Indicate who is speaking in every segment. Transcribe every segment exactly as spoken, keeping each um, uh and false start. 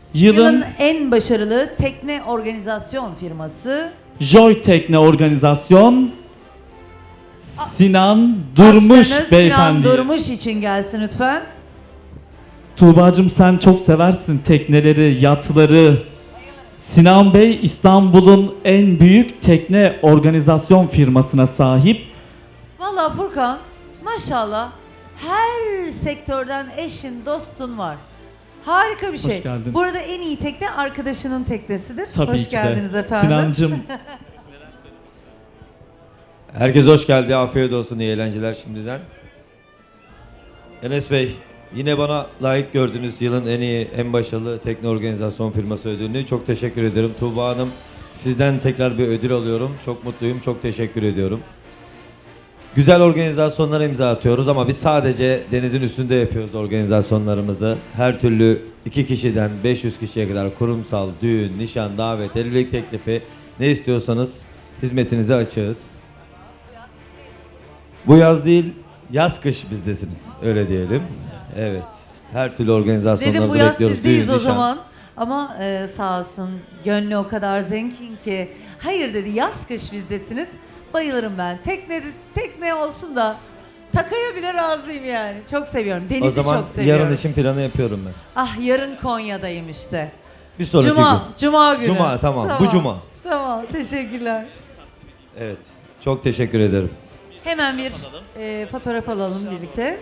Speaker 1: Yılın,
Speaker 2: Yılın en başarılı tekne organizasyon firması.
Speaker 1: Joy Tekne Organizasyon Sinan Durmuş
Speaker 2: Alkışlarınız
Speaker 1: beyefendi.
Speaker 2: Sinan Durmuş için gelsin lütfen.
Speaker 1: Tuğba'cığım sen çok seversin tekneleri, yatları. Sinan Bey İstanbul'un en büyük tekne organizasyon firmasına sahip.
Speaker 2: Vallahi Furkan, maşallah her sektörden eşin, dostun var. Harika bir şey.
Speaker 1: Hoş geldin.
Speaker 2: Burada en iyi tekne arkadaşının teknesidir.
Speaker 1: Tabii
Speaker 2: Hoş
Speaker 1: ki
Speaker 2: geldiniz
Speaker 1: de.
Speaker 2: efendim.
Speaker 1: Sinancığım
Speaker 3: Herkes hoş geldi. Afiyet olsun. İyi eğlenceler şimdiden. Enes Bey, yine bana layık gördünüz yılın en iyi, en başarılı tekne organizasyon firması ödülünü. Çok teşekkür ederim. Tuğba Hanım, sizden tekrar bir ödül alıyorum. Çok mutluyum. Çok teşekkür ediyorum. Güzel organizasyonlara imza atıyoruz ama biz sadece denizin üstünde yapıyoruz organizasyonlarımızı. Her türlü iki kişiden beş yüz kişiye kadar kurumsal, düğün, nişan, davet, evlilik teklifi ne istiyorsanız hizmetinize açığız. Bu yaz değil, yaz kış bizdesiniz. Öyle diyelim. Evet. Her türlü
Speaker 2: Dedim
Speaker 3: organizasyonlarınızı
Speaker 2: bu yaz
Speaker 3: bekliyoruz.
Speaker 2: sizdeyiz
Speaker 3: Düğün,
Speaker 2: o
Speaker 3: nişan.
Speaker 2: zaman. Ama e, sağ olsun gönlü o kadar zengin ki. Hayır dedi, yaz kış bizdesiniz. Bayılırım ben. Tekne, tekne olsun da takaya bile razıyım yani. Çok seviyorum. Denizi
Speaker 3: O zaman
Speaker 2: çok seviyorum.
Speaker 3: yarın için planı yapıyorum ben.
Speaker 2: Ah, yarın Konya'dayım işte.
Speaker 3: Bir sonraki
Speaker 2: Cuma,
Speaker 3: gün.
Speaker 2: Cuma günü.
Speaker 3: Cuma, tamam. Bu cuma.
Speaker 2: Tamam, teşekkürler.
Speaker 3: Evet. Çok teşekkür ederim.
Speaker 2: Hemen bir e, fotoğraf alalım birlikte.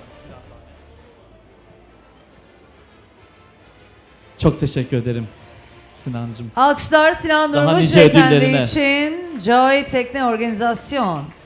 Speaker 1: çok teşekkür ederim Sinancığım.
Speaker 2: Alkışlar Sinan
Speaker 1: Daha
Speaker 2: Durmuş
Speaker 1: nice
Speaker 2: beyefendi
Speaker 1: ödüllerine.
Speaker 2: için Joy Tekne Organizasyon.